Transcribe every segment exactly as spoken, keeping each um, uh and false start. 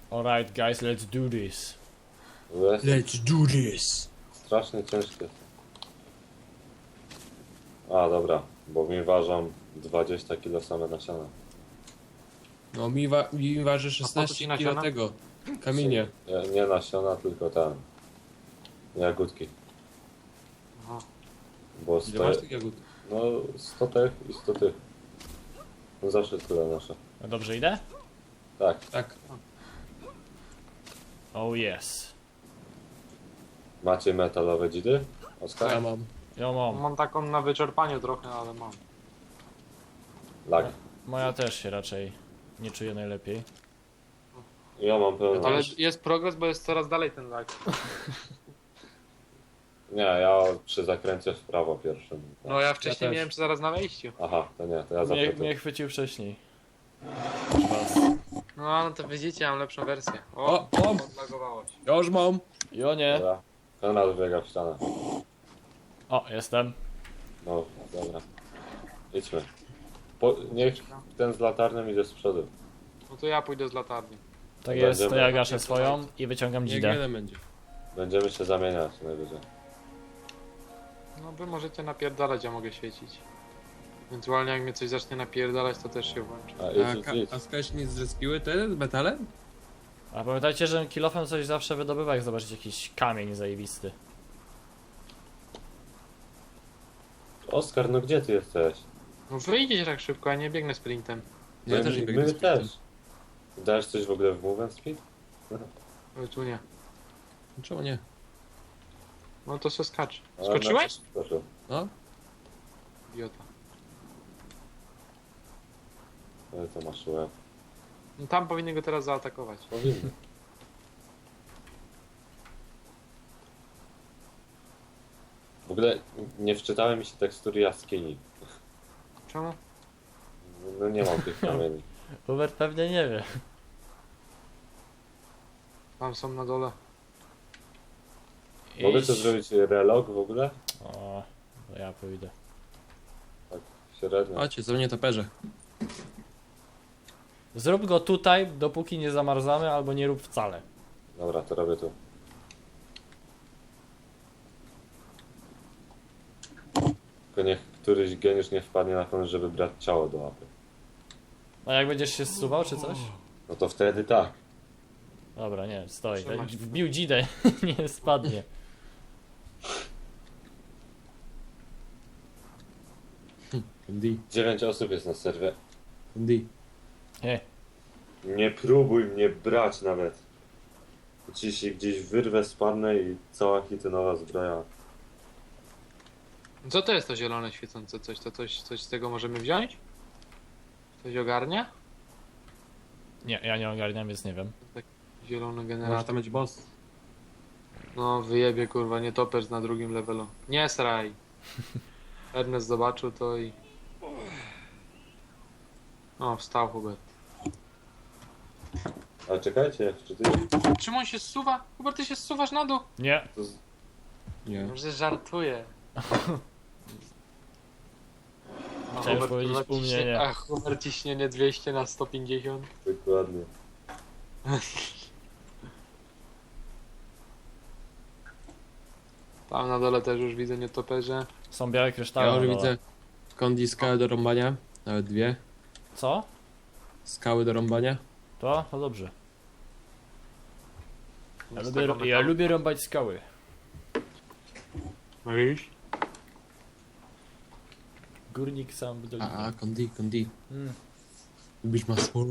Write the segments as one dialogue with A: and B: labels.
A: Alright guys, let's do this.
B: Jest
C: Let's do this.
B: strasznie ciężkie. A dobra, bo mi ważą dwadzieścia kilo same nasiona.
C: No mi, wa mi waży
D: ci
C: szesnaście kilo
D: nasiona?
C: tego. Kamienie.
B: Nie, nie nasiona, tylko ten. Jagódki.
D: Aha.
B: Bo
C: Ile masz
B: sto,
C: tych jagód?
B: no sto tych i sto tych. No zawsze tyle nasze.
A: No dobrze idę?
B: Tak.
C: Tak.
A: Oh yes.
B: Macie metalowe dzidy? Oskar?
C: Ja mam.
A: Ja mam.
D: Mam taką na wyczerpaniu trochę, ale mam.
B: Lag.
A: Moja też się raczej nie czuje najlepiej.
B: Ja mam pełno.
D: Ale jest progres, bo jest coraz dalej ten lag.
B: Nie, ja przy zakręcie w prawo pierwszym.
D: No ja wcześniej
C: też.
D: miałem zaraz na wejściu.
B: Aha, to nie, to ja
A: Mnie,
B: zapytam.
A: mnie chwycił wcześniej.
D: No, no to widzicie, mam lepszą wersję. O,
C: O, o.
D: odlagowało się.
C: Ja już mam.
A: Jo nie.
B: Dobra. Konrad biega w ścianę.
A: O, jestem.
B: No, dobra. Idźmy. Po, niech ten z latarnią idzie z przodu.
D: No to ja pójdę z latarni.
A: Tak jest, to
B: Będziemy-
A: ja gaszę swoją i wyciągam
C: Niech
A: dzidę.
C: jeden będzie.
B: Będziemy się zamieniać najwyżej.
D: No wy możecie napierdalać, ja mogę świecić. Ewentualnie jak mnie coś zacznie napierdalać, to też się włączy.
B: A
C: A,
B: idź, idź,
C: ka-
B: idź.
C: a skałeś nie zrespiły te z metalem?
A: A pamiętajcie, że kilofem coś zawsze wydobywa, jak zobaczycie jakiś kamień zajebisty.
B: Oskar, no gdzie ty jesteś?
D: No wyjdziecie tak szybko, ja nie biegnę sprintem.
C: Ja
B: my,
C: też nie
B: my
C: biegnę z
B: też. Dajesz coś w ogóle w Move and Speed?
D: Ale tu nie.
C: Czemu nie?
D: No to se skacz.
B: Ale
D: Skoczyłeś?
B: na- Skoczył.
C: No?
D: Idiota.
B: Ale to masz łeb.
D: No tam powinny go teraz zaatakować.
B: Powinny. W ogóle nie wczytały mi się tekstury jaskini.
D: Czemu?
B: No nie mam tych kamieni.
A: Hubert pewnie nie wie.
D: Tam są na dole.
B: Mogę
A: Idź.
B: to zrobić relog w ogóle?
A: O, to ja pójdę.
B: Tak, średnio.
C: Chodźcie, co mnie toperze.
A: Zrób go tutaj, dopóki nie zamarzamy, albo nie rób wcale.
B: Dobra, to robię tu. Tylko niech któryś geniusz nie wpadnie na pomysł, żeby brać ciało do łapy.
A: A jak będziesz się zsuwał, czy coś?
B: No to wtedy tak.
A: Dobra, nie, stoi.
D: Trzymaj się.
A: Wbił dzidę, nie spadnie.
C: Candy.
B: Dziewięć osób jest na serwie.
C: Candy.
A: Nie.
B: Nie próbuj mnie brać nawet. Ci się gdzieś wyrwę, spadnę i cała hitynowa zbroja.
D: Co to jest to zielone świecące coś? To coś, coś z tego możemy wziąć? Coś ogarnia?
A: Nie, ja nie ogarniam, więc nie wiem.
D: Zielony
C: Może
D: generator.
C: tam być boss.
D: No wyjebie kurwa, nie topesz na drugim levelu. Nie sraj. Ernest zobaczył to i... O, wstał Hubert.
B: Ale czekajcie, czy ty...
D: Czemu on się zsuwa? Hubert, ty się zsuwasz na dół?
A: Nie.
B: To z...
C: Nie.
D: Może żartuję. A
A: Chciałem
D: Hubert,
A: powiedzieć
D: kurwa,
A: u mnie
D: ciśnie-
A: nie.
D: A Hubert ciśnienie dwieście na sto pięćdziesiąt.
B: Dokładnie.
D: Tam na dole też już widzę nietoperze.
A: Są białe kryształy.
C: Ja
A: na
C: już
A: dole.
C: widzę Candy skały do rąbania. Nawet dwie.
A: Co?
C: Skały do rąbania.
A: To? To dobrze. Ja
D: Z
A: lubię,
D: tego
A: ja
D: metalu.
A: lubię rąbać skały.
D: Mówisz?
A: Górnik sam w dolinie.
C: A, a, Candy, Candy.
A: Mm.
C: Lubisz masło?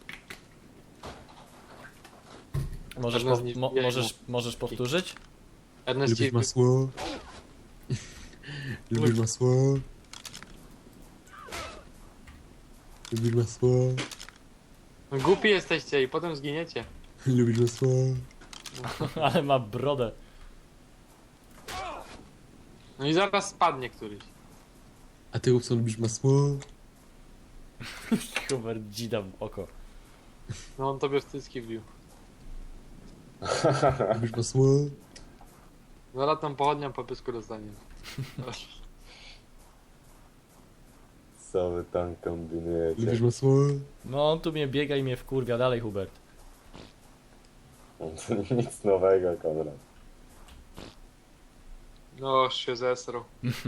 A: Możesz,
D: Żadne
A: po,
D: z nich
A: mo,
D: nie
A: możesz, możesz powtórzyć?
D: Ernest
C: Lubisz
D: ci...
C: masło? Lubisz masło? Lubisz masło?
D: No, głupi jesteście i potem zginiecie.
C: Lubisz masło?
A: Ale ma brodę.
D: No i zaraz spadnie któryś.
C: A ty, Upson, lubisz masło?
A: Hubert dzida w oko.
D: No on tobie w cycki wbił.
C: Lubisz masło?
D: Zaraz tam pochodnią po pysku dostanie.
B: Co wy tam kombinujecie?
C: Lubisz masło?
A: No on tu mnie biega i mnie wkurwia. Dalej Hubert.
B: To nic nowego, Konrad.
D: No, się zesrał.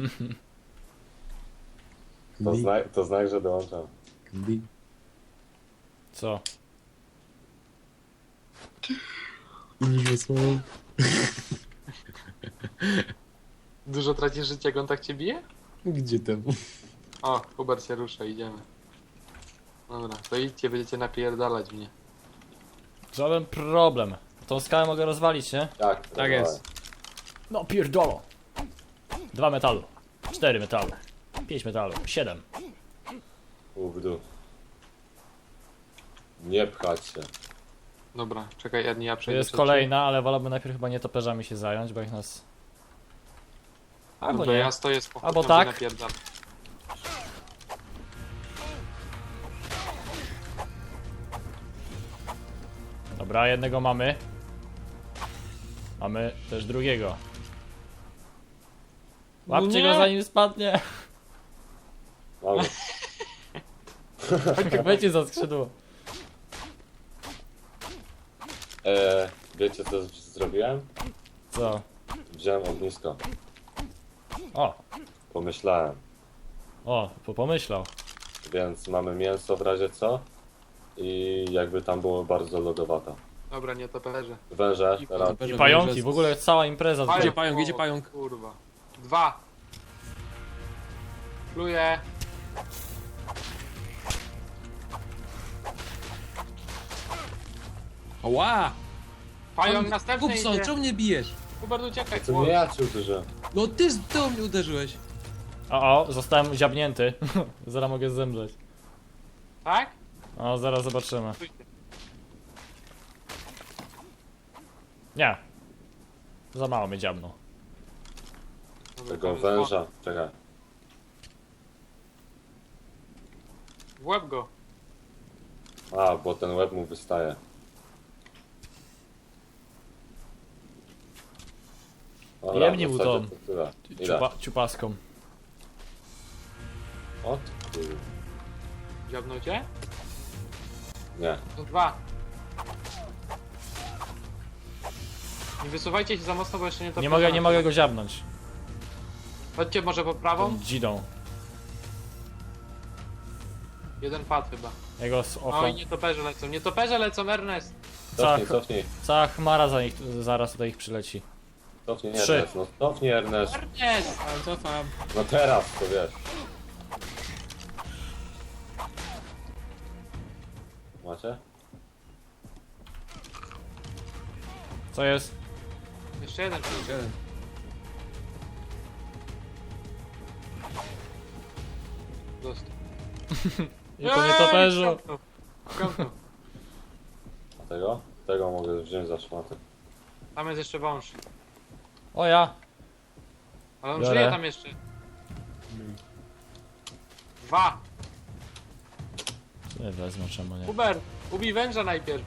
B: To,
C: Klik,
B: zna to znak, że dołączam.
C: klik.
A: Co?
C: Lubisz na słowo?
D: Dużo tracisz życia, jak on tak cię bije?
C: Gdzie tam?
D: O, Hubert się rusza, idziemy. Dobra, to idźcie, będziecie napierdalać mnie.
A: Żaden problem. Tą skałę mogę rozwalić, nie?
B: Tak,
C: Tak jest.
A: No pierdolo. Dwa metalu. Cztery metalu. Pięć metalu. Siedem.
B: U, w dół. Nie pchać się.
D: Dobra, czekaj, Edni, ja
A: To
D: przejdę
A: jest
D: przed
A: kolejna, ale wolałbym najpierw chyba nietoperzami się zająć, bo jak nas...
D: ciebie.
A: Albo
D: Dobra,
A: nie.
D: ja stoję z pochodnią,
A: Albo
D: wy
A: tak.
D: napierdalam.
A: Dobra, jednego mamy. Mamy też drugiego. Łapcie
D: No nie.
A: go zanim spadnie.
B: Mamy.
A: Chwycie za skrzydło.
B: E, wiecie co z- zrobiłem?
A: Co?
B: Wziąłem ognisko.
A: O,
B: Pomyślałem.
A: o, po- pomyślał.
B: Więc mamy mięso w razie co. I jakby tam było bardzo lodowata.
D: Dobra, nie toperze.
B: Węże,
D: I
B: teraz
C: Toperze,
A: I pająki,
C: węże.
A: w ogóle cała impreza.
C: Gdzie
A: tutaj.
C: pająk, gdzie
D: O,
C: pająk?
D: Kurwa. Dwa. Pluję.
C: Ała!
D: Pająk następny
C: Kupson,
D: idzie.
C: czemu mnie bijesz?
D: Hubert, uciekaj.
B: to nie ja cię uderzyłem.
C: No ty z do mnie uderzyłeś.
A: O, o, zostałem ziabnięty. Zaraz mogę zemrzeć.
D: Tak?
A: O, zaraz zobaczymy.
D: Stójcie.
A: Nie. Za mało mnie dziabnął.
D: Dobra,
B: Tego
D: tam jest
B: węża. Czekaj.
D: W łeb go.
B: A, bo ten łeb mu wystaje. Dobra,
A: Jemnij
B: w
A: mu
B: zasadzie
A: tą.
B: to tyle. Ile?
A: Ciupa, ciupaską.
B: O ty kur-
D: Dziabnął cię?
B: Nie.
D: To dwa. Nie wysuwajcie się za mocno, bo jeszcze nie to
A: Nie mogę, nie mogę go dziabnąć.
D: Chodźcie może po prawą.
A: Tą dzidą.
D: Jeden pad chyba.
A: Jego z
D: O
A: oko.
D: i nietoperze lecą. Nietoperze lecą, Ernest.
B: Cofnij,
A: Tak.
B: cofnij.
A: Cała chmara za nich, zaraz tutaj ich przyleci.
B: Cofnij,
A: Trzy.
B: Ernest. No cofnij, Ernest.
D: Ernest!
C: Ale cofam.
B: No teraz, to wiesz. Macie?
A: Co jest?
D: Jeszcze jeden przyjdzie.
C: Jeden.
D: Dostał.
A: I po nietoperzu.
D: Kąpnął. Kąpnął.
B: A tego? Tego mogę wziąć za szmatę.
D: Tam jest jeszcze wąż.
A: O ja.
D: Ale on
A: Biorę.
D: żyje tam jeszcze. Dwa.
A: Nie wezmę, czemu nie.
D: Hubert, ubij węża najpierw.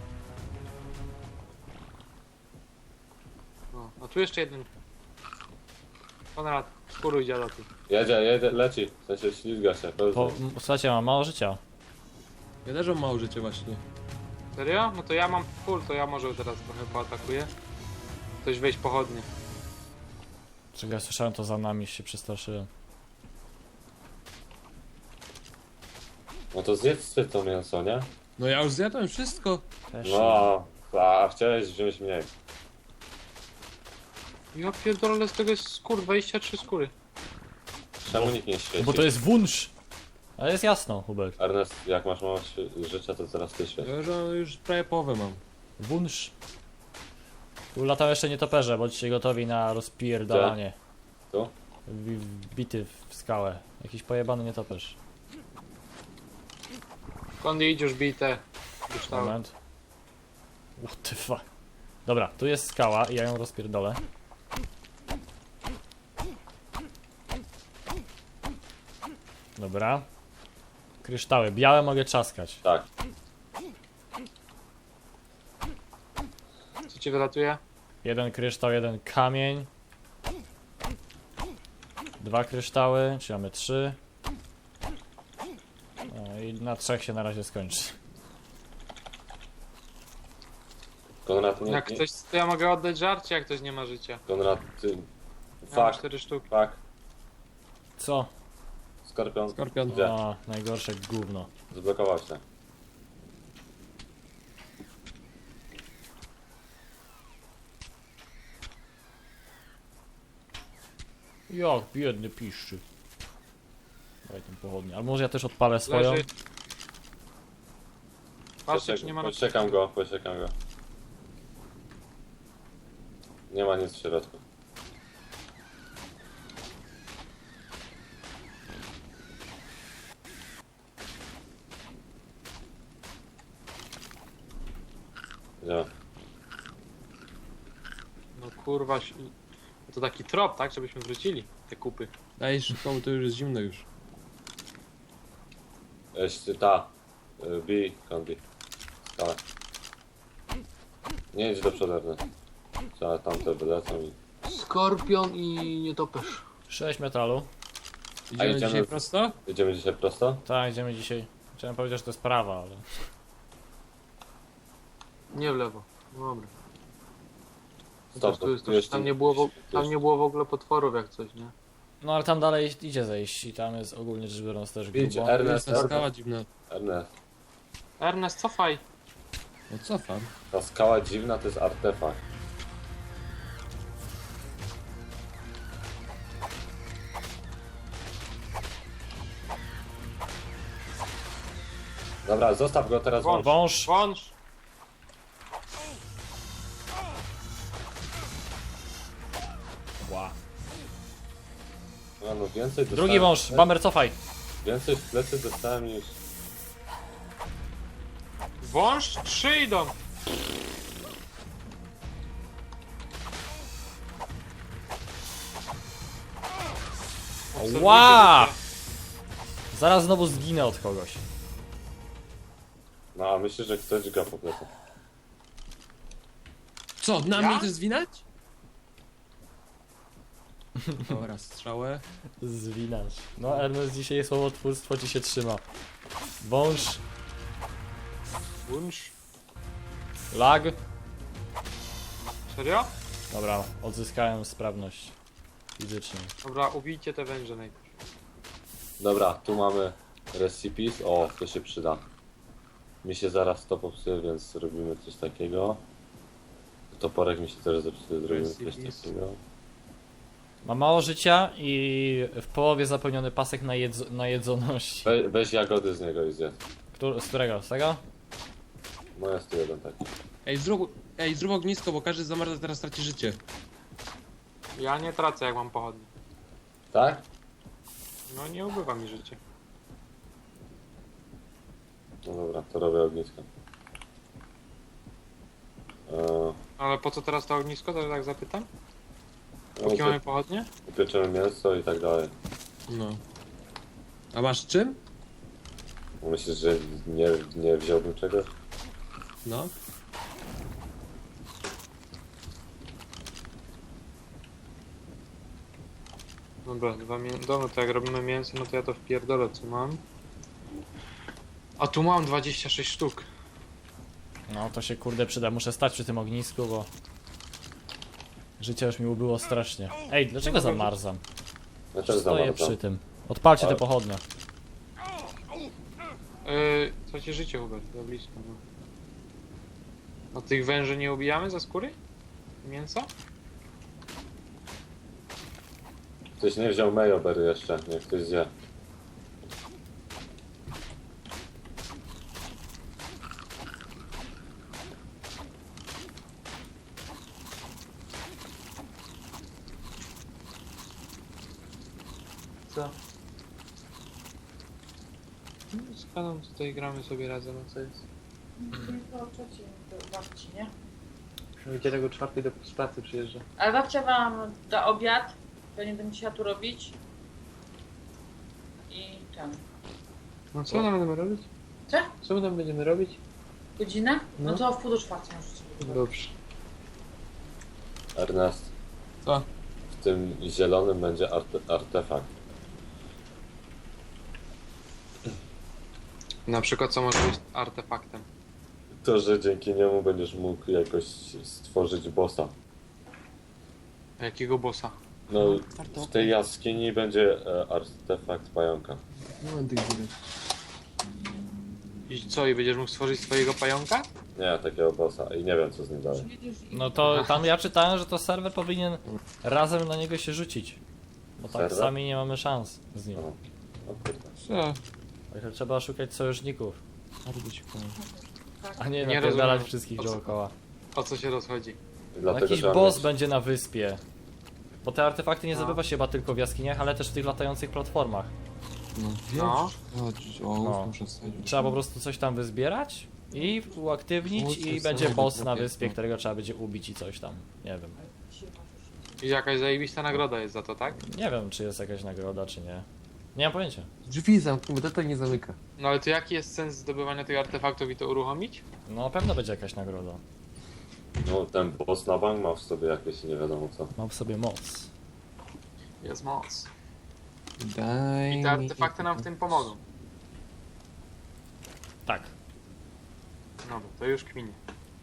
D: O, a tu jeszcze jeden. Konrad, skóruj dziadoty.
B: Jedzie, jedzie, leci. W sensie ślizga się.
A: Po,
B: Po...
A: m- słuchajcie, mam mało życia.
C: Ja też mam mało życia właśnie.
D: Serio? No to ja mam full, to ja może teraz trochę poatakuję. Ktoś wejść pochodnie.
A: Czego ja słyszałem, to za nami się przestraszyłem.
B: No to zjedzcie to mięso, nie?
C: No ja już zjadłem wszystko.
A: Też.
B: No, a chciałeś wziąć mniej.
D: Ja pierdolę, z tego jest skór, dwadzieścia trzy skóry.
B: Czemu nikt nie świeci?
A: Bo to jest wunsz. Ale jest jasno, Hubert.
B: Ernest, jak masz mało świe- życia, to teraz ty świeć.
C: Ja już, już prawie połowę mam.
A: Wunsz. Tu latają jeszcze nietoperze, bądźcie gotowi na rozpierdalanie.
B: Tu?
A: Wi- Wbity w skałę. Jakiś pojebany nietoperz.
D: Kondy idź już bite. Kryształy.
A: Moment. What the fuck. Dobra, tu jest skała i ja ją rozpierdolę. Dobra. Kryształy. Białe mogę trzaskać.
B: Tak.
D: Co ci wylatuje?
A: Jeden kryształ, jeden kamień. Dwa kryształy, czyli mamy trzy. O, i na trzech się na razie skończy.
B: Konrad, nie,
D: Jak
B: nie.
D: ktoś, to ja mogę oddać żarcie, jak ktoś nie ma życia.
B: Konrad, ty...
D: Ja mam
B: Fuck,
D: cztery sztuki.
B: fuck.
A: Co?
B: Skorpion.
C: Skorpion.
B: Gdzie?
A: A, najgorsze gówno.
B: Zblokował się.
A: Jak biedny piszczy. Daj tą pochodnię. Ale może ja też odpalę swoją?
D: Leży. Patrzcie, czy nie ma na
B: Poczekam go, poczekam go. Nie ma nic w środku. Gdzie?
D: No kurwa, ś- to taki trop, tak? Żebyśmy wrócili te kupy.
C: Daj szybko, bo to już jest zimno już.
B: Jeszcze ta. y, B, kombi. Skala. Nie idź do przodu, Ernest. Trzeba tamte wylecą i...
D: Skorpion i nietoperz.
A: sześć metalu.
C: Idziemy
B: idziemy
C: dzisiaj
B: w-
C: prosto?
B: Idziemy dzisiaj prosto?
A: Tak, idziemy dzisiaj. Chciałem powiedzieć, że to jest prawa, ale...
D: Nie w lewo. No dobra.
B: Stop,
D: tu jest,
B: tu jest-
D: tam, nie było, w-
B: tu
D: tam
B: jest-
D: nie było w ogóle potworów jak coś, nie?
A: No ale tam dalej idzie zejść i tam jest ogólnie rzecz biorąc też
B: Idź,
A: grubo.
C: To
B: Ernest,
C: jest ta skała
B: Ernest.
C: dziwna.
B: Ernest.
D: Ernest, cofaj!
C: No cofam.
B: Ta skała dziwna to jest artefakt. Dobra, zostaw go teraz.
D: Wąż.
A: Wąż!
D: Wąż!
A: Ła.
B: No, no więcej dostałem,
A: Drugi wąż! Bamber, cofaj!
B: Więcej w plecy dostałem niż...
D: Wąż? Trzy idą! Obserwujcie
A: Ła!
D: życie.
A: Zaraz znowu zginę od kogoś.
B: No a myślę, że ktoś gra po plecach.
C: Co, na
D: Ja?
C: mnie też zwinać? Dobra, strzałę.
A: Zwinać. No Ernest, dzisiaj słowotwórstwo ci się trzyma. Wąż,
D: Wąż?
A: lag.
D: Serio?
A: Dobra, odzyskałem sprawność fizyczną.
D: Dobra, ubijcie te węże najpierw.
B: Dobra, tu mamy recipes. O, to się przyda. Mi się zaraz to popsuje, więc robimy coś takiego. Toporek mi się też zepsuje, zrobimy coś
D: Recipes.
B: takiego.
A: Ma mało życia i w połowie zapełniony pasek na, jedz na jedzoności.
B: We, weź jagody z niego i zjedz.
A: Któr z którego? Z tego?
B: No jest tu jeden taki.
C: Ej, zrób, ej, zrób ognisko, bo każdy zamarza teraz traci życie.
D: Ja nie tracę jak mam pochodnie.
B: Tak?
D: No nie ubywa mi życie.
B: No dobra, to robię ognisko. Eee,
D: Ale po co teraz to ognisko, to tak zapytam?
B: no,
D: Póki mamy
B: co-
D: pochodnie?
B: upieczemy mięso i tak dalej.
C: No. A masz czym?
B: Myślisz, że nie, nie wziąłbym czegoś?
C: No.
D: Dobra, dwa mię... Dobra, to jak robimy mięso, no to ja to wpierdolę, co mam. A tu mam dwadzieścia sześć sztuk.
A: No to się kurde przyda. Muszę stać przy tym ognisku, bo... Życie już mi ubyło strasznie. Ej, dlaczego zamarzam?
B: Ja też
A: Stoję
B: zamarzam.
A: przy tym. Odpalcie te
B: Ale-
A: pochodnie.
D: Yy, tracie życie, Hubert, za blisko, no. A tych węży nie ubijamy za skóry? Mięsa?
B: Ktoś nie wziął mayobery jeszcze, niech ktoś zje.
D: Co? No, z Kaną tutaj gramy sobie razem, a co jest?
E: To trzeci do babci, nie?
D: Wiecie, tego czwartej do z pracy przyjeżdża.
E: Ale babcia wam da obiad, to nie będę musiała tu robić. I tam.
D: No co tam będziemy robić?
E: Co?
D: Co my tam będziemy robić?
E: Godzinę? No,
D: No.
E: to w pół do czwartej możecie sobie
D: Dobrze.
B: Ernest,
C: Co?
B: w tym zielonym będzie arte artefakt.
D: Na przykład co może być artefaktem?
B: To, że dzięki niemu będziesz mógł jakoś stworzyć bossa.
D: A jakiego bossa?
B: No, w tej jaskini będzie e, artefakt pająka.
C: No tych widać.
D: I co, i będziesz mógł stworzyć swojego pająka?
B: Nie, takiego bossa i nie wiem co z nim dalej.
A: No to tam ja czytałem, że to serwer powinien razem na niego się rzucić. Bo tak
B: Serwer?
A: sami nie mamy szans z nim.
B: No, o kurde.
C: Co?
A: Także trzeba szukać sojuszników,
C: Bardzo ci powiem.
A: a nie
D: Nie
A: napierdalać
D: rozumiem.
A: wszystkich
D: O co-
A: dookoła.
D: O co się rozchodzi?
B: I
A: No
B: Dlatego
A: jakiś
B: trzeba
A: boss
B: mieć-
A: będzie na wyspie. Bo te artefakty nie
D: No.
A: zdobywa się chyba tylko w jaskiniach, ale też w tych latających platformach.
C: No wiem,
D: No.
C: no. Chodź, o,
A: No.
C: muszę wsadzić.
A: Trzeba po prostu coś tam wyzbierać i uaktywnić
C: Kurczę,
A: i
C: co
A: będzie
C: robię,
A: boss na
C: robię,
A: wyspie,
C: no.
A: którego trzeba będzie ubić i coś tam. Nie wiem.
D: I jakaś zajebista nagroda jest za to, tak?
A: Nie wiem, czy jest jakaś nagroda, czy nie. Nie mam pojęcia.
C: Drzwi zamknij, bo to nie zamyka.
D: No ale to jaki jest sens zdobywania tych artefaktów i to uruchomić?
A: No na pewno będzie jakaś nagroda.
B: No, ten boss na bank ma w sobie jakieś nie wiadomo co.
A: Mam w sobie moc.
D: Jest moc.
C: Daj
D: I te
C: mi-
D: artefakty nam w tym pomogą.
A: Tak.
D: No bo to już kminie.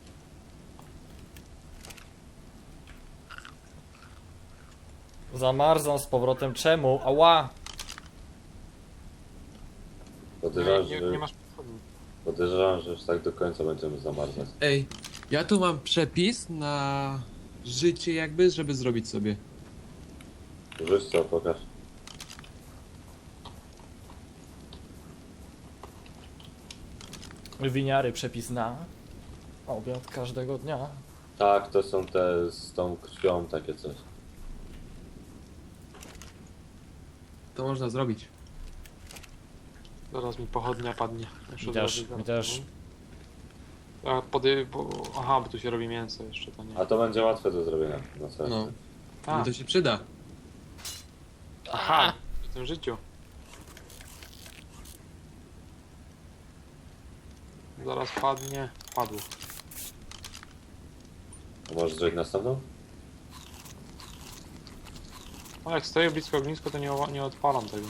A: Zamarzam z powrotem. Czemu? Ała!
B: Podejrzewam,
D: Nie, nie,
B: że,
D: nie masz podchodni.
B: podejrzewam, że już tak do końca będziemy zamarzać.
C: Ej, ja tu mam przepis na życie jakby, żeby zrobić sobie.
B: Rzuć co, pokaż.
A: Winiary, przepis na obiad każdego dnia.
B: Tak, to są te z tą krwią takie coś.
C: To można zrobić.
D: Zaraz mi pochodnia padnie. Już
A: Mi
D: od
A: też,
D: razu
A: mi
D: zaraz.
A: też.
D: A pody... Bo... Aha, bo tu się robi mięso jeszcze, to nie.
B: A to będzie łatwe do zrobienia. No co?
C: No.
D: A,
C: I to się przyda.
A: Aha!
D: w tym życiu. Zaraz padnie. Padło.
B: A możesz zrobić następną?
D: No jak stoję blisko ognisko, to nie, o- nie odpalam tego.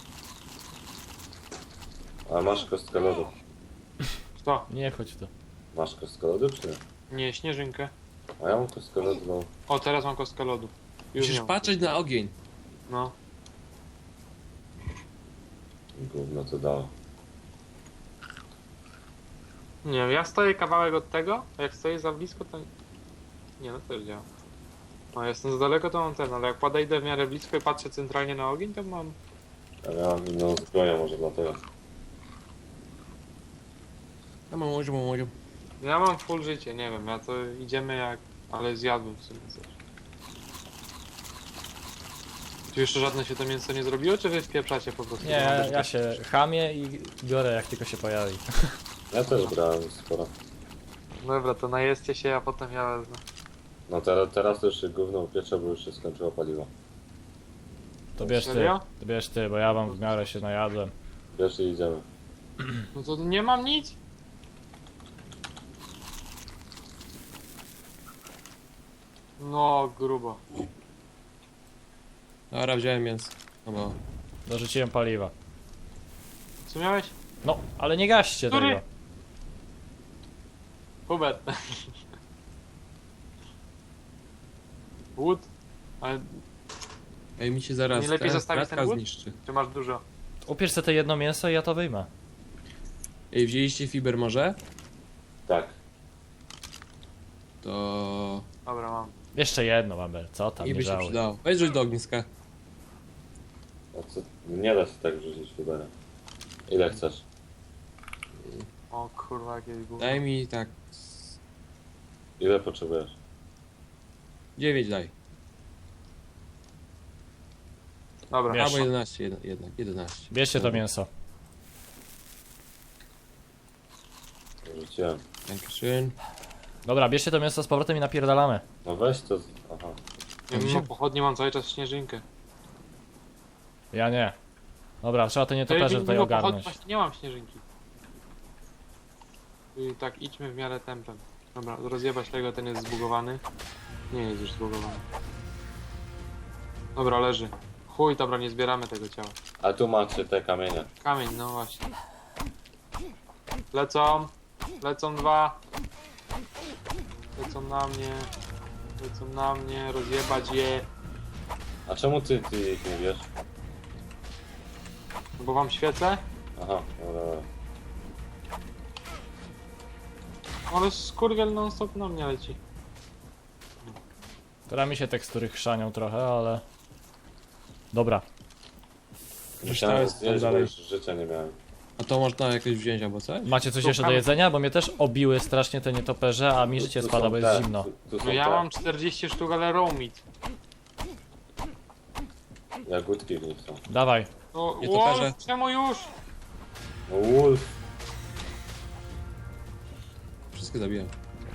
B: A masz kostkę lodu.
D: Kto?
A: Nie chodź w to.
B: Masz kostkę lodu czy nie?
D: Nie, śnieżynkę.
B: A ja mam kostkę lodu, no.
D: O, teraz mam kostkę lodu. Już
C: Musisz
D: nie mam.
C: patrzeć na ogień.
D: No.
B: Gówno to dało.
D: Nie wiem, ja stoję kawałek od tego, a jak stoję za blisko, to... Nie, no też działa. No, jestem za daleko, to mam ten, ale jak podejdę w miarę blisko i patrzę centralnie na ogień, to mam...
B: A ja mam inną zbroję może dlatego.
C: Ja mam łodzią, mam łodzią.
D: Ja mam full życie, nie wiem, ja to idziemy jak... Ale zjadłem w sumie coś. Tu jeszcze żadne się to mięso nie zrobiło, czy wy wpieprzacie po prostu?
A: Nie, ja, ja się chamię i biorę jak tylko się pojawi.
B: Ja też brałem sporo.
D: Dobra, to najeźdźcie się, a potem ja wezmę.
B: No teraz, teraz to już się gówno upiecze, bo już się skończyło paliwo.
A: To bierz ty,
D: Serio?
A: to bierz ty, bo ja wam w miarę się najadłem.
B: Wiesz i idziemy.
D: No to nie mam nic. No, grubo.
C: Dobra, wziąłem mięso. No bo...
A: Dorzuciłem paliwa.
D: Co miałeś?
A: No, ale nie gaście
D: Który?
A: tego.
D: Hubert. Wood? Ale
C: Ej, mi się zaraz
D: Nie lepiej
C: ta
D: zostawić
C: kratka
D: ten łód?
C: zniszczy.
D: czy masz dużo?
A: Upierz sobie to jedno mięso i ja to wyjmę.
C: Ej, wzięliście fiber może?
B: Tak.
C: To...
D: Dobra, mam.
A: Jeszcze jedno, Mabel, co tam,
C: I
A: nie
C: by się
A: żałuj.
C: przydało. Weź rzuć do ogniska.
B: A co? Nie da się tak wrzucić fiberem. Ile chcesz?
D: O kurwa, jakieś gówno.
C: Daj mi tak... z-
B: Ile potrzebujesz?
C: dziewięć daj.
D: Dobra,
A: Wiesz.
C: Albo jedenaście jedna- jednak, jedenaście.
A: Bierzcie to
C: Dobra.
A: mięso.
B: Rzuciłem.
C: Dankeschön.
A: Dobra, bierzcie to mięso z powrotem i napierdalamy.
B: No weź to. z- Aha.
D: ja mimo pochodnie mam cały czas śnieżynkę.
A: Ja nie. Dobra, trzeba to
D: Ja
A: nietoperze tutaj
D: mimo pochodni
A: ogarnąć.
D: właśnie nie mam śnieżynki. I tak idźmy w miarę tempem. Dobra, rozjebać tego, ten jest zbugowany. Nie jest już zbugowany. Dobra, leży. Chuj, dobra, nie zbieramy tego ciała.
B: A tu macie te kamienie.
D: Kamień, no właśnie. Lecą. Lecą dwa. Lecą na mnie. Lecą na mnie, rozjebać je.
B: A czemu ty, ty ich nie wiesz?
D: No bo wam świecę?
B: Aha, dobra, dobra.
D: Ale skurwiel non stop na mnie leci.
A: Teraz mi się tekstury chrzanią trochę, ale... Dobra.
B: Musiałem
C: jest tam
B: zjeść, bo
C: dalej.
B: już życia nie miałem.
C: A to można jakieś wziąć albo coś?
A: Macie coś
D: Tu
A: jeszcze do
D: kam-
A: jedzenia? Bo mnie też obiły strasznie te nietoperze, a mi życie
B: Tu
A: spada,
B: są
A: bo jest
B: te,
A: zimno.
B: Tu, tu są
D: No ja
B: te
D: mam czterdzieści sztuk, ale raw meat.
B: jagódki w nich są.
A: Dawaj.
D: No,
C: Nie toperze.
D: Wolf, czemu już?
B: No wolf!
C: Wszystkie zabiłem.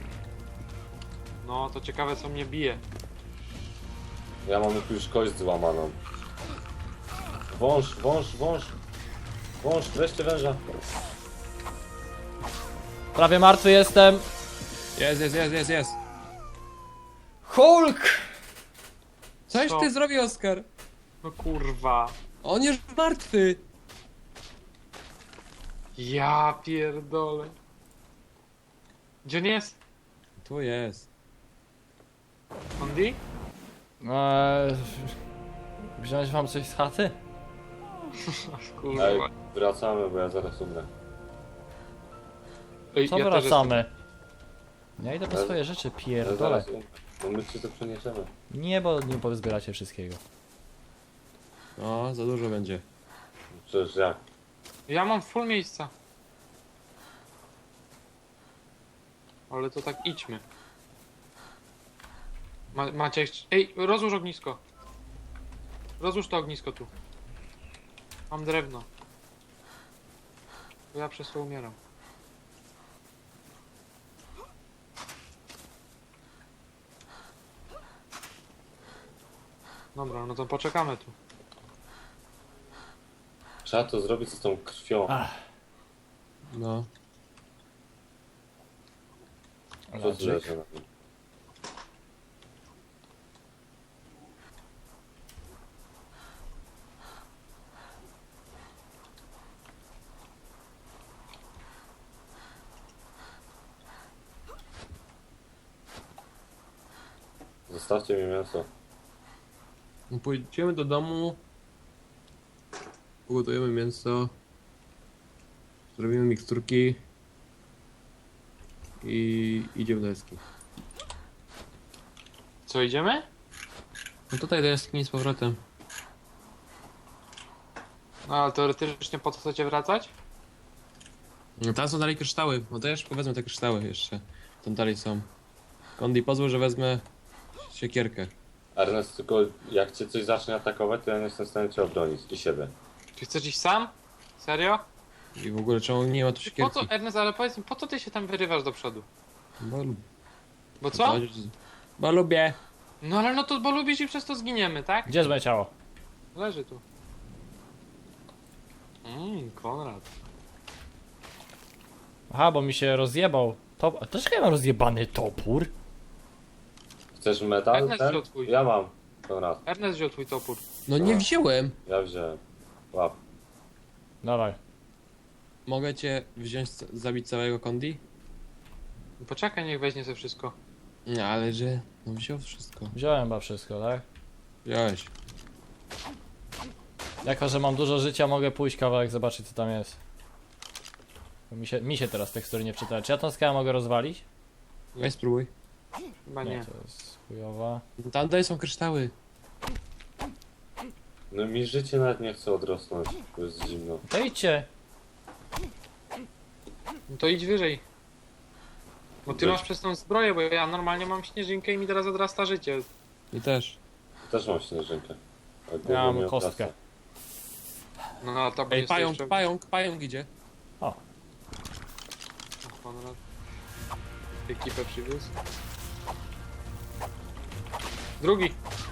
D: No, to ciekawe co mnie bije.
B: Ja mam już kość złamaną. Wąż, wąż, wąż! Wąż, wreszcie węża!
A: Prawie martwy jestem.
C: Jest, jest, jest, jest, jest.
A: Hulk!
C: Coś
D: Co?
C: ty zrobił, Oskar?
D: No kurwa.
C: On już martwy.
D: Ja pierdolę. Gdzie on jest?
C: Tu jest.
D: Andy?
A: Eee, wziąć wam coś z chaty?
D: Kurwa.
B: Ej, wracamy, bo ja zaraz umrę.
D: Ej,
A: Co
D: ja też
A: wracamy? Ja idę po
B: Ale-
A: swoje rzeczy,
B: Ja
A: pierdolę.
B: zaraz umrę. No my ci to przeniesiemy.
A: Nie, bo nie pozbieracie wszystkiego.
C: No, za dużo będzie.
B: Przecież jak?
D: jestem- Ja mam full miejsca. Ale to tak idźmy. Ma, macie jeszcze... Ej, rozłóż ognisko. Rozłóż to ognisko tu. Mam drewno. Bo ja przez to umieram. Dobra, no to poczekamy tu.
B: Trzeba to zrobić z tą krwią.
A: Ach,
C: No.
B: Co tu
A: Ladżyk.
B: leży na nim? Zostawcie mi mięso.
C: No, pójdziemy do domu. Ugotujemy mięso. Zrobimy miksturki. I idziemy do jaskini.
D: Co, idziemy?
C: No tutaj do jaskini z powrotem.
D: No ale teoretycznie po co chcecie wracać?
C: No tam są dalej kryształy. No to jeszcze wezmę te kryształy jeszcze. Tam dalej są. Kondi, pozwól, że wezmę siekierkę.
B: Ernest, tylko jak cię coś zacznie atakować, to ja nie jestem w stanie cię obronić i siebie.
D: Czy chcesz iść sam? Serio?
C: I w ogóle czemu nie ma tu
D: Po
C: siekierki?
D: co, Ernest, ale powiedz mi, po co ty się tam wyrywasz do przodu?
C: Bo, lub-
D: Bo co?
C: Bo lubię.
D: No ale no to bo lubisz i przez to zginiemy, tak?
A: Gdzie jest moje ciało?
D: Leży tu. Mmm, Konrad.
A: Aha, bo mi się rozjebał. Top... A dlaczego ja mam rozjebany topór?
B: Chcesz metal?
D: Ernest
B: Ten?
D: wziął twój.
B: Ja mam. Konrad,
D: Ernest wziął twój topór.
C: No nie
B: A.
C: wziąłem.
B: ja wziąłem. Łap.
A: Dawaj.
C: Mogę cię wziąć, zabić całego Kondi?
D: Poczekaj, niech weźmie sobie wszystko.
C: Nie, ale że... No wziął wszystko.
A: Wziąłem chyba wszystko, tak?
C: Wziąłeś.
A: Jako, że mam dużo życia, mogę pójść kawałek zobaczyć co tam jest. Bo Mi się, mi się teraz tekstury nie wczytają. Czy ja tą skałę mogę rozwalić?
C: Weź spróbuj.
D: Chyba nie.
A: to jest chujowa.
C: Tam dalej są kryształy.
B: No mi życie nawet nie chce odrosnąć, bo jest zimno.
A: To idźcie.
D: No to idź wyżej. Bo ty
B: Wyż-
D: masz przez tą zbroję, bo ja normalnie mam śnieżynkę i mi teraz odrasta życie.
C: I też.
B: Też mam śnieżynkę. A gówno
A: Ja mam
B: mnie
A: kostkę.
B: obrasta.
D: No a to
C: Ej,
D: jest
C: pająk,
D: jeszcze...
C: pająk, pająk idzie.
D: O, Konrad. Ekipę przywiózł. Drugi.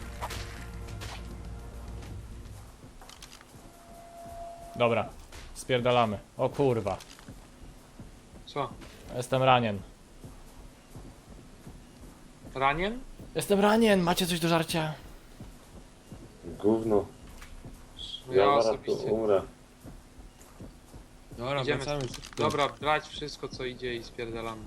A: Dobra. Spierdalamy. O kurwa.
D: Co?
A: Jestem ranien.
D: Ranien?
A: Jestem ranien, macie coś do żarcia?
B: Gówno.
D: No
B: Ja
D: ja
B: zaraz tu
D: osobiście.
B: umrę.
C: Dobra,
D: Idziemy.
C: wracamy.
D: Dobra, brać wszystko co idzie i spierdalamy.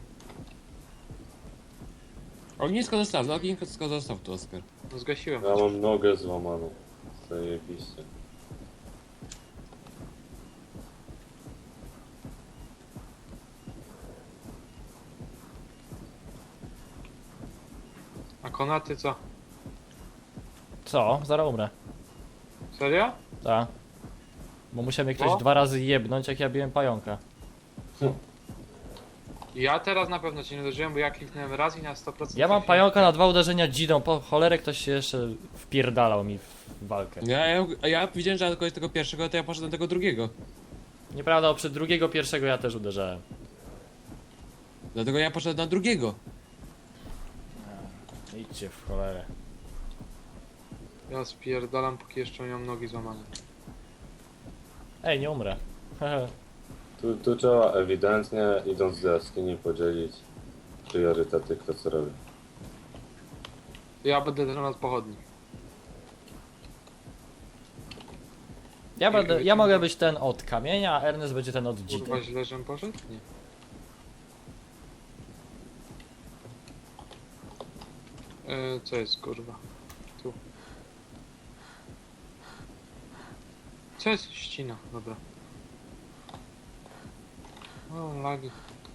C: Ognisko zostaw, no ognisko zostaw tu, Oskar.
D: No zgasiłem.
B: Ja mam nogę złamaną. Zajebiście.
D: A konaty co?
A: Co? Zaraz umrę.
D: Serio?
A: Tak. Bo musiał mnie ktoś
D: No.
A: dwa razy jebnąć, jak ja biłem pająka.
D: Ja teraz na pewno cię nie uderzyłem, bo ja kliknąłem raz i na sto procent
A: Ja mam
D: trafiłem.
A: pająka na dwa uderzenia dzidą, po cholerę ktoś się jeszcze wpierdalał mi w walkę.
C: Ja, ja, ja widziałem, że ja tylko tego pierwszego, to ja poszedłem do tego drugiego.
A: Nieprawda, bo przed drugiego pierwszego ja też uderzałem.
C: Dlatego ja poszedłem na drugiego.
A: Idźcie w cholerę.
D: Ja spierdalam, póki jeszcze nie mam nogi złamane.
A: Ej, nie umrę.
B: Tu, tu trzeba ewidentnie, idąc do jaskini, podzielić priorytety, kto co robi.
D: Ja będę teraz pochodni.
A: Ja, będę, ja mogę być ten od kamienia, a Ernest będzie ten od dzidy.
D: Kurwa, źle, żem poszedł? Nie. E, co jest kurwa? Tu. Co jest? Ścina, dobra. O, lagi.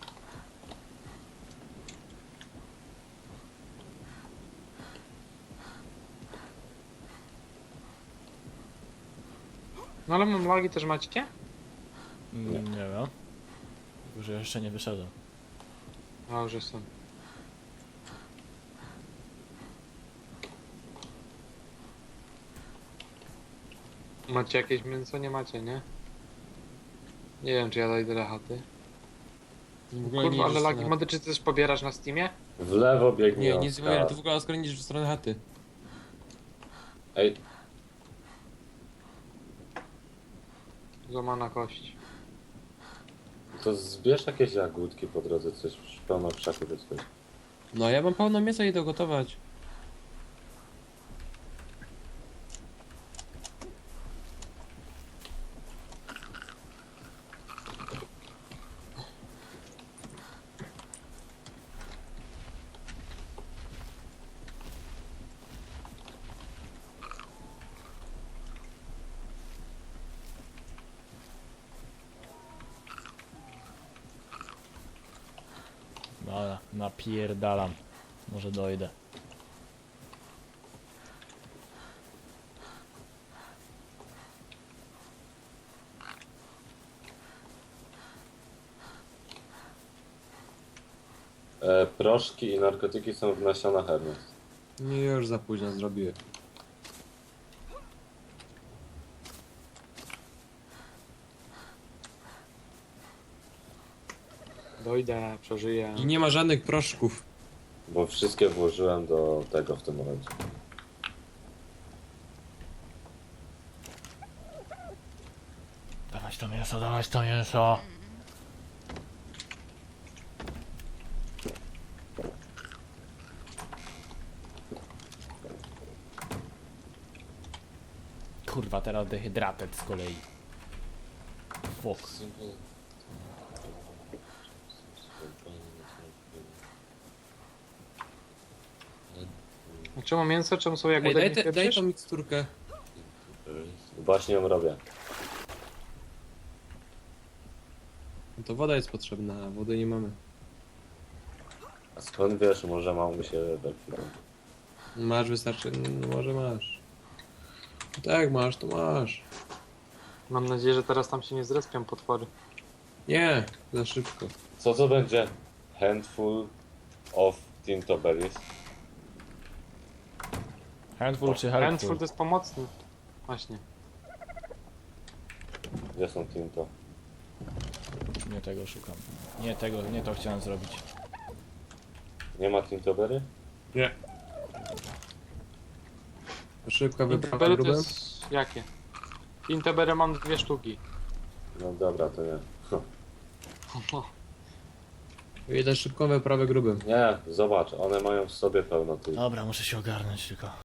D: No ale mam lagi też macie?
A: Mm, nie wiem. Już jeszcze nie wyszedłem.
D: A, już jestem. Macie jakieś mięso? Nie macie, nie? Nie wiem, czy ja dojdę do chaty.
C: W ogóle
D: Kurwa,
C: nie
D: ale
C: idziesz w
D: lagi
C: stronę
D: mody, czy ty też pobierasz na Steamie?
B: W lewo
C: chaty.
B: biegnie
C: Nie, nie
B: Oskar.
C: zbieram, ty w ogóle Oskar nie idziesz w stronę chaty.
B: Ej,
D: Złamana kość.
B: to zbierz jakieś jagódki po drodze, coś pełno krzaku do coś.
C: No ja mam pełno mięsa i idę gotować.
A: Dobra, napierdalam. Może dojdę.
B: E, proszki i narkotyki są w nasionach Ernest.
C: Nie, już za późno zrobiłem.
D: Dojdę, przeżyję.
C: I nie ma żadnych proszków.
B: Bo wszystkie włożyłem do tego w tym momencie.
A: Dawać to mięso, dawać to mięso. Kurwa, teraz dehydrated z kolei. Fuck.
D: A czemu mięso? Czemu są jak
C: Ej, daj,
D: budek
C: te, daj tą miksturkę.
B: Właśnie ją robię.
C: No to woda jest potrzebna, a wody nie mamy.
B: A skąd wiesz, może mam mi się tak.
C: Masz, wystarczy, no może masz. Tak, masz, to masz.
D: Mam nadzieję, że teraz tam się nie zrespią potwory.
C: Nie, za szybko.
B: Co to będzie? Handful of Tinto Berries.
A: Handful czy
D: Handful
A: helpful?
D: to jest pomocny. Właśnie.
B: Gdzie są Tinto?
A: Nie tego szukam. Nie tego, nie to chciałem zrobić.
B: Nie ma Tinto Berry?
C: Nie. Szybka wyprawa
D: Intebery to
C: grubem.
D: jest... jakie? Intebery mam dwie sztuki.
B: No dobra, to nie.
C: Idę szybką wyprawę grubym.
B: Nie, zobacz, one mają w sobie pełno tych.
A: Dobra, muszę się ogarnąć tylko.